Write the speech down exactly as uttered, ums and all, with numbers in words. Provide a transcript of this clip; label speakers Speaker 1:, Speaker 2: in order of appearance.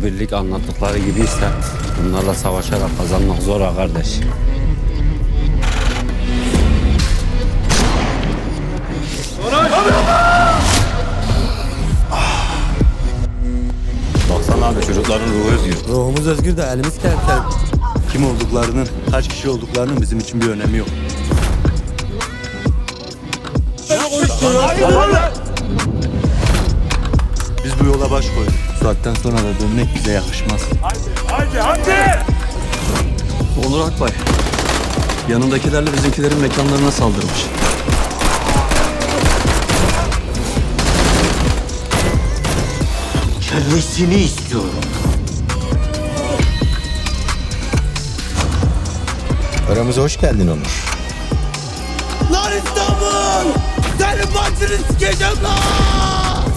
Speaker 1: Bu birlik anlattıkları gibiyse bunlarla savaşarak kazanmak zor ha kardeş. Baksana abi çocukların ruhu özgür.
Speaker 2: Ruhumuz özgür de elimiz kertel.
Speaker 3: Kim olduklarının, kaç kişi olduklarının bizim için bir önemi yok. Biz bu yola baş koyduk. Bu saatten sonra da dönmek bize yakışmaz.
Speaker 4: Onur Akbay, yanındakilerle bizimkilerin mekanlarına saldırmış.
Speaker 5: Kellesini istiyorum.
Speaker 2: Aramıza hoş geldin Onur.
Speaker 3: Lan İstanbul! Senin başını sikeceğim lan!